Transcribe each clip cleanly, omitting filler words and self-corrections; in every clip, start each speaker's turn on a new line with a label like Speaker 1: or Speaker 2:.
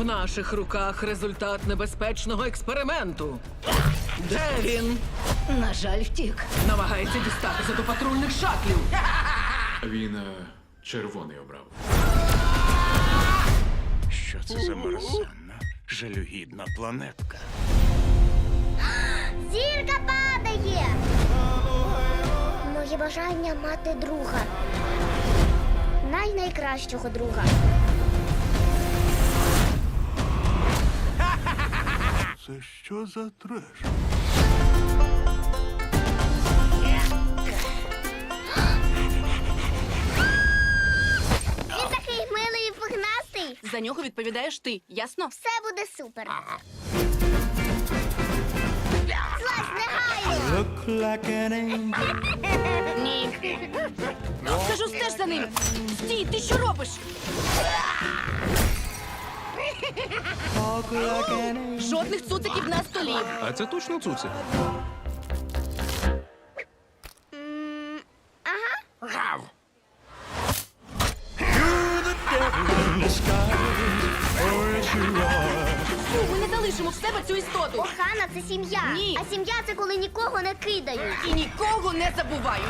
Speaker 1: В наших руках результат небезпечного експерименту. Де він?
Speaker 2: На жаль, втік.
Speaker 1: Намагається дістатися до патрульних шатлів.
Speaker 3: Він червоний обрав.
Speaker 4: Що це за мерзенна, жалюгідна планетка?
Speaker 5: Зірка падає! Моє бажання мати друга. Найкращого друга.
Speaker 4: Це що за треш?
Speaker 5: Він такий милий і пухнастий.
Speaker 2: За нього відповідаєш ти, ясно?
Speaker 5: Все буде супер. Злазь негайно!
Speaker 2: Ні. Кажу, стеж за ним. Стій, ти що робиш? Жодних цуциків на столі.
Speaker 3: А це точно цуцик?
Speaker 2: Фу, ми не залишимо в себе цю істоту.
Speaker 5: Охана – це сім'я.
Speaker 2: Ні.
Speaker 5: А сім'я – це коли нікого не кидають.
Speaker 2: І нікого не забувають.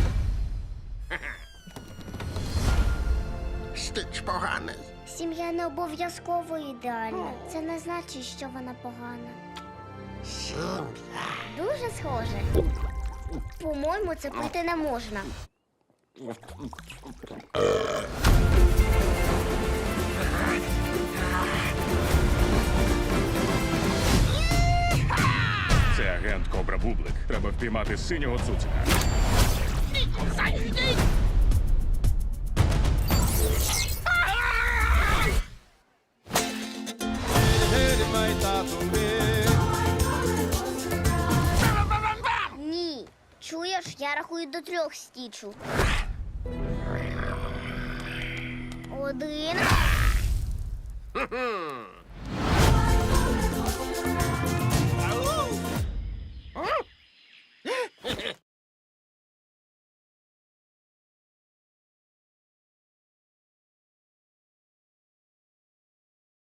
Speaker 6: Стич поганий.
Speaker 5: Сім'я не обов'язково ідеальна. Це не значить, що вона погана.
Speaker 6: Сім'я.
Speaker 5: Дуже схоже. По-моєму, це пити не можна.
Speaker 4: Це агент Кобра Бублик. Треба впіймати синього цуцика.
Speaker 5: Ні. Чуєш, я рахую до 3 стічу. 1.